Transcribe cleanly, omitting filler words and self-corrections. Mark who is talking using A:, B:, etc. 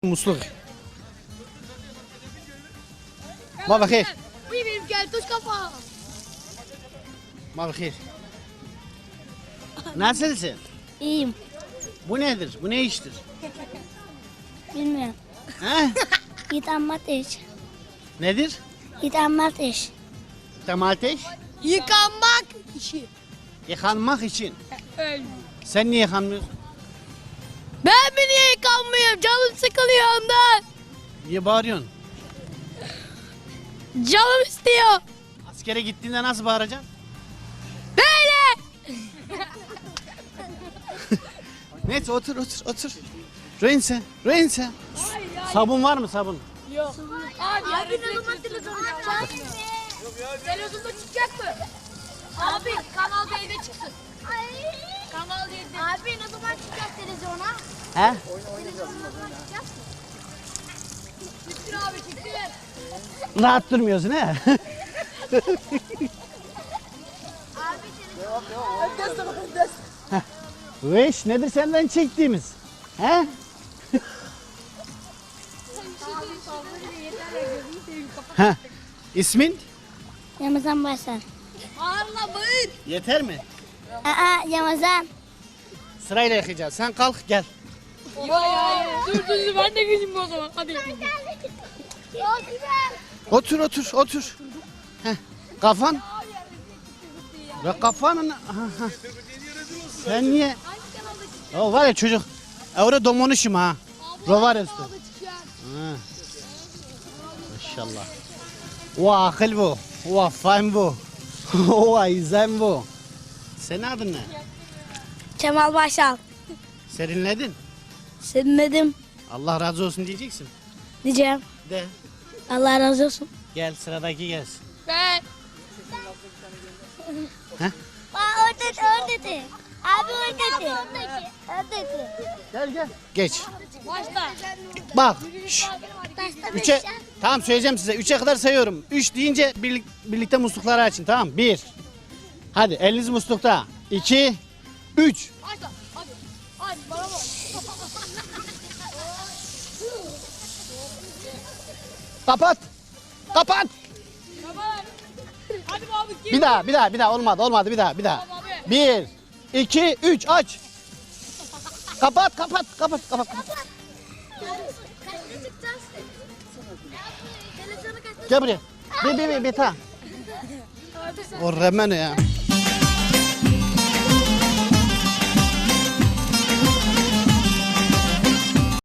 A: Musluk. Ma bakayım.
B: Bu benim keltoş kafa.
A: Ma bakayım. Nasılsın?
B: İyiyim.
A: Bu nedir? Bu ne iştir?
B: Bilmiyorum.
A: He?
B: Yıkanmak iş.
A: Nedir?
B: Yıkanmak iş.
A: Domates.
B: Yıkanmak işi.
A: Yıkanmak için.
B: Öyle.
A: Sen niye yıkanmıyorsun?
B: Ben mi niye yıkanmıyorum? Canım sıkılıyor ondan.
A: Niye bağırıyorsun?
B: Canım istiyor.
A: Askere gittiğinde nasıl bağıracaksın?
B: Böyle.
A: Neyse otur. Röynse. Sabun var mı sabun?
B: Yok. Abi ne zaman televizyon yapacağız? Televizyonda çıkacak mı? Abi Kanal D'de çıksın. Kanal D'de. Abi ne zaman çıkacak televizyona?
A: He?
B: Televizyona ne zaman çıkacak? Çıktır abi çıktır.
A: Rahat durmuyorsun he?
B: Abi televizyon.
A: Bu iş nedir senden çektiğimiz? He? Ha. İsmin?
B: Ramazan Başar. Ağırla bağır.
A: Yeter mi?
B: Ramazan.
A: Sırayla yakacağız. Sen kalk gel.
B: Dur ben de geleyim o zaman. Hadi.
A: Otur. Heh. Kafan? Ve kafanın... Ha. Sen niye? O var ya çocuk. Orada domonuşum ha. Rovar üstü. Ha. Maşallah. O akıl bu. O fahim bu. O izem bu. Senin adın ne?
B: Kemal Başal.
A: Serinledin.
B: Sevinmedim
A: Allah razı olsun diyeceksin.
B: diyeceğim.
A: De.
B: Allah razı olsun.
A: Gel sıradaki gelsin.
B: Ben.
A: Heh.
B: Oradaki. Abi oradaki.
A: Gel. Geç.
B: Başla.
A: Bak. Şş. Üçe, tamam söyleyeceğim size. 3'e kadar sayıyorum. 3 deyince birlikte muslukları açın, tamam mı? 1. Hadi eliniz muslukta. 2, 3.
B: Başla. Hadi bana bak.
A: Kapat.
B: Hadi abi gir.
A: Bir daha. Olmadı. Bir daha. 1, 2, 3 aç. Kapat.
B: Kaçta çıkacağız? Televizyonu kaçta
A: Gel buraya. Bir ta. O remene ya.